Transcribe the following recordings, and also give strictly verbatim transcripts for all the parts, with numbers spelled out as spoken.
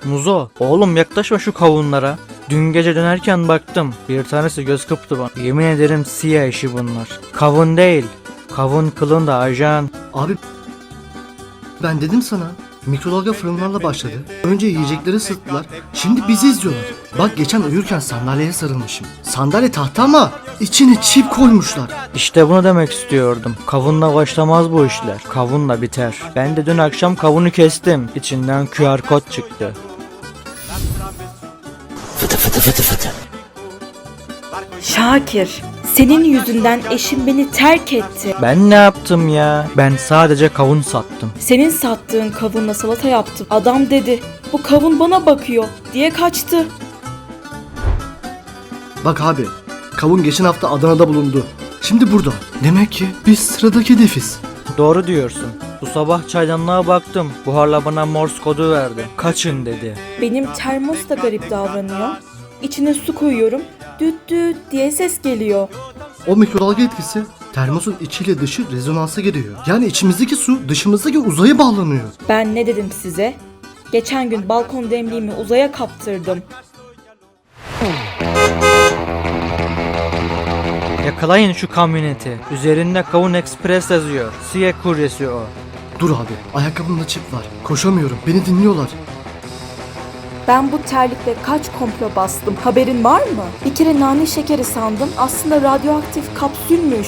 Muzo, oğlum yaklaşma şu kavunlara. Dün gece dönerken baktım. Bir tanesi göz kırptı bana. Yemin ederim siyah işi bunlar. Kavun değil. Kavun kılında ajan. Abi ben dedim sana. Mikrodalga fırınlarla başladı. Önce yiyecekleri ısıttılar. Şimdi bizi izliyorlar. Bak geçen uyurken sandalyeye sarılmışım. Sandalye tahta ama içine çip koymuşlar. İşte bunu demek istiyordum. Kavunla başlamaz bu işler. Kavunla biter. Ben de dün akşam kavunu kestim. İçinden Q R kod çıktı. Fıtı fıtı fıtı fıtı. Şakir, senin yüzünden eşim beni terk etti. Ben ne yaptım ya? Ben sadece kavun sattım. Senin sattığın kavunla salata yaptım. Adam dedi, bu kavun bana bakıyor diye kaçtı. Bak abi, kavun geçen hafta Adana'da bulundu. Şimdi burada. Demek ki biz sıradaki hedefiz. Doğru diyorsun. Bu sabah çaydanlığa baktım. Buharla bana Morse kodu verdi. Kaçın dedi. Benim termos da garip davranıyor. İçine su koyuyorum, düt düt diye ses geliyor. O mikrodalga etkisi termosun içiyle dışı rezonansa giriyor. Yani içimizdeki su dışımızdaki uzaya bağlanıyor. Ben ne dedim size? Geçen gün balkon demliğimi uzaya kaptırdım. Yakalayın şu kamyoneti. Üzerinde Kavun Express yazıyor. Siye kuryesi o. Dur abi, ayakkabımda çip var. Koşamıyorum, beni dinliyorlar. Ben bu terlikle kaç komplo bastım, haberin var mı? Bir kere nane şekeri sandım, aslında radyoaktif kapsülmüş.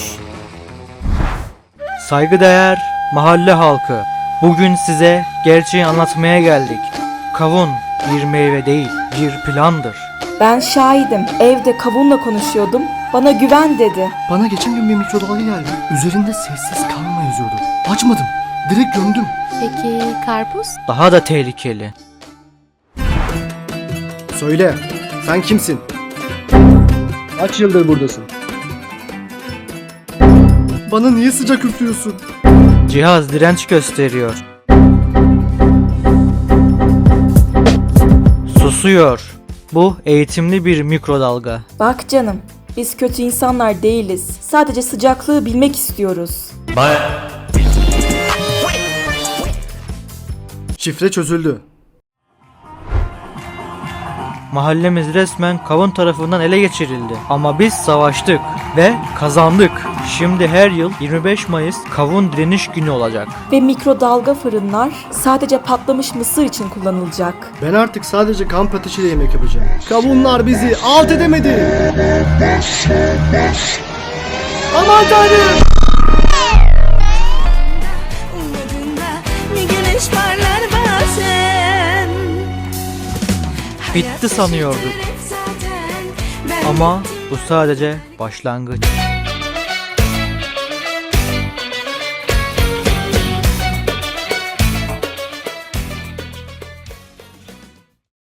Saygıdeğer mahalle halkı. Bugün size gerçeği anlatmaya geldik. Kavun bir meyve değil, bir plandır. Ben şahidim, evde kavunla konuşuyordum, bana güven dedi. Bana geçen gün bir mikrodalga geldi. Üzerinde sessiz kalma yazıyordu. Açmadım, direkt gömdüm. Peki karpuz? Daha da tehlikeli. Söyle, sen kimsin? Kaç yıldır buradasın? Bana niye sıcak üflüyorsun? Cihaz direnç gösteriyor. Susuyor. Bu eğitimli bir mikrodalga. Bak canım, biz kötü insanlar değiliz. Sadece sıcaklığı bilmek istiyoruz. Şifre çözüldü. Mahallemiz resmen Kavun tarafından ele geçirildi. Ama biz savaştık ve kazandık. Şimdi her yıl yirmi beş Mayıs Kavun Direniş Günü olacak. Ve mikrodalga fırınlar sadece patlamış mısır için kullanılacak. Ben artık sadece kamp ateşiyle yemek yapacağım. Kavunlar bizi alt edemedi. Aman tanrım! Bitti sanıyorduk. Ama bu sadece başlangıç.